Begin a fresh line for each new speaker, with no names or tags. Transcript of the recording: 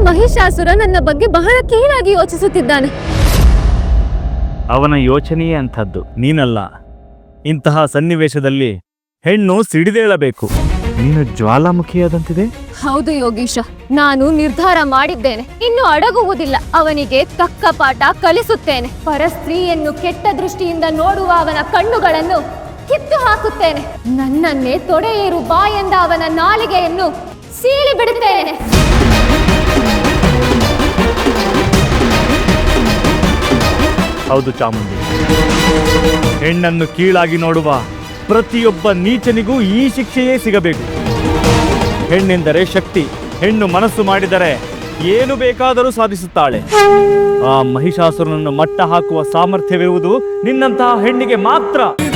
ಮಹಿಷಾಸುರ ನನ್ನ ಬಗ್ಗೆ ಬಹಳ ಕೀಳಾಗಿ ಯೋಚಿಸುತ್ತಿದ್ದಾನೆ.
ಅವನ ಯೋಚನೆಯೇ ಅಂಥದ್ದು, ನೀನಲ್ಲ. ಇಂತಹ ಸನ್ನಿವೇಶದಲ್ಲಿ ಹೆಣ್ಣು ಸಿಡಿದೇಳಬೇಕು. ನೀನು ಜ್ವಾಲಾಮುಖಿಯಾದಂತಿದೆ.
ಹೌದು ಯೋಗೀಶ, ನಾನು ನಿರ್ಧಾರ ಮಾಡಿದ್ದೇನೆ. ಇನ್ನು ಅಡಗುವುದಿಲ್ಲ. ಅವನಿಗೆ ತಕ್ಕ ಪಾಠ ಕಲಿಸುತ್ತೇನೆ. ಪರಸ್ತ್ರೀಯನ್ನು ಕೆಟ್ಟ ದೃಷ್ಟಿಯಿಂದ ನೋಡುವ ಅವನ ಕಣ್ಣುಗಳನ್ನು ಕಿತ್ತು ಹಾಕುತ್ತೇನೆ. ನನ್ನನ್ನೇ ತೊಡೆಯೇರು ಬಾ ಎಂದ ಅವನ ನಾಲಿಗೆಯನ್ನು ಸೀಳಿ ಬಿಡುತ್ತೇನೆ.
ಹೌದು ಚಾಮುಂಡಿ, ಹೆಣ್ಣನ್ನು ಕೀಳಾಗಿ ನೋಡುವ ಪ್ರತಿಯೊಬ್ಬ ನೀಚನಿಗೂ ಈ ಶಿಕ್ಷೆಯೇ ಸಿಗಬೇಕು. ಹೆಣ್ಣೆಂದರೆ ಶಕ್ತಿ. ಹೆಣ್ಣು ಮನಸ್ಸು ಮಾಡಿದರೆ ಏನು ಬೇಕಾದರೂ ಸಾಧಿಸುತ್ತಾಳೆ. ಆ ಮಹಿಷಾಸುರನನ್ನು ಮಟ್ಟ ಹಾಕುವ ಸಾಮರ್ಥ್ಯವಿರುವುದು ನಿನ್ನಂತಹ ಹೆಣ್ಣಿಗೆ ಮಾತ್ರ.